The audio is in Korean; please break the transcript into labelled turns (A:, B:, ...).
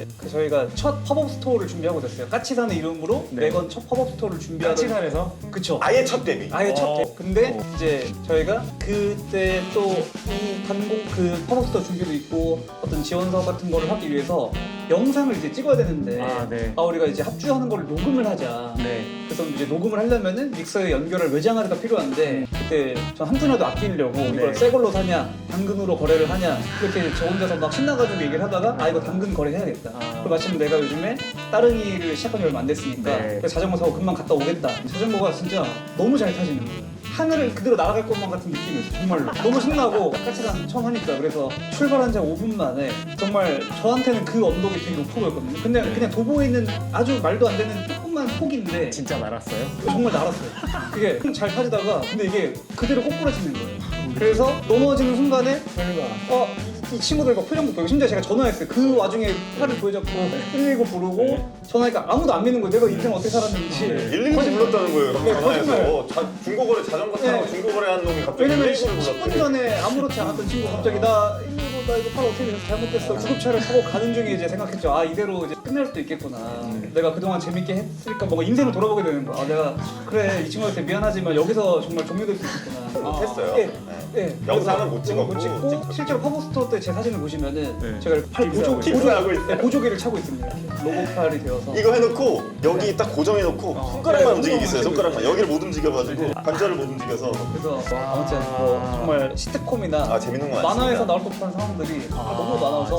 A: 그 저희가 첫 팝업 스토어를 준비하고 됐어요. 까치산의 이름으로
B: 네.
A: 매건 첫 팝업 스토어를 준비하던.
B: 까치산에서
A: 그쵸.
C: 아예 첫 데뷔.
A: 아예 첫
B: 어.
A: 대. 근데 이제 저희가 그때 또 이 단공 그 팝업 스토어 준비도 있고 어떤 지원 사업 같은 거를 하기 위해서 영상을 이제 찍어야 되는데
B: 네.
A: 우리가 이제 합주하는 거를 녹음을 하자.
B: 네.
A: 그래서 이제 녹음을 하려면은 믹서에 연결할 외장하드가 필요한데 그때 전 한 푼이라도 아끼려고 이걸 새 걸로 사냐 당근으로 거래를 하냐 이렇게 저 혼자서 막 신나가지고 얘기를 하다가 이거 당근 거래해야겠다. 그리고 마침 내가 요즘에 따릉이를 시작한 지 얼마 안 됐으니까
B: 네.
A: 그래서 자전거 사고 금방 갔다 오겠다. 자전거가 진짜 너무 잘 타지는 거예요. 하늘을 그대로 날아갈 것만 같은 느낌이었어요. 정말로 너무 신나고 까치산 처음 하니까 그래서 출발한 지 5분 만에 정말 저한테는 그 언덕이 되게 높아 보였거든요. 근데 그냥 도보에 있는 아주 말도 안 되는 조그만 폭인데
B: 진짜 날았어요?
A: 정말 날았어요. 그게 잘 타지다가 근데 이게 그대로 꼬꾸라지는 거예요. 그래서 넘어지는 순간에 저희가 이 친구들과 표정도 보이고 심지어 제가 전화했어요. 그 와중에 팔을 보여잡고 119 부르고 전화하니까 아무도 안 믿는 거예요. 내가 인생 어떻게 살았는지.
C: 119 불렀다는 거예요.
A: 네,
C: 전화해서 중고거래 자전거 타고
A: 네.
C: 중고거래 하는 놈이 갑자기
A: 왜냐면
C: 119를
A: 10분
C: 불렀대.
A: 전에 아무렇지 않았던 친구가 갑자기 나 119 나 이거 팔 어떻게 돼서 잘못됐어. 구급차를 타고 가는 중에 이제 생각했죠. 이대로 이제 끝날 수도 있겠구나. 내가 그동안 재밌게 했으니까 뭔가 인생을 돌아보게 되는 거야. 내가 그래 이 친구한테 미안하지만 여기서 정말 종료될 수 있겠구나.
C: 못했어요.
A: 예.
C: 네.
A: 예.
C: 영상은 못
A: 못
C: 찍었고
A: 찍고 실제로 팝업스토어 때 제 사진을 보시면은
B: 네.
A: 제가 이렇게 팔
C: 깁스하고 있어요.
A: 보조개를 차고 있습니다. 이렇게 로고팔이 되어서.
C: 이거 해놓고 여기 딱 고정해놓고 손가락만
A: 네,
C: 움직이고 있어요.
A: 손가락만
C: 손가락만 여기를 못 움직여가지고 관절을 못 움직여서
A: 그래서 아무튼 뭐 정말 시트콤이나
C: 재밌는 거 많습니다.
A: 만화에서 나올 법한 상황들이 너무 많아서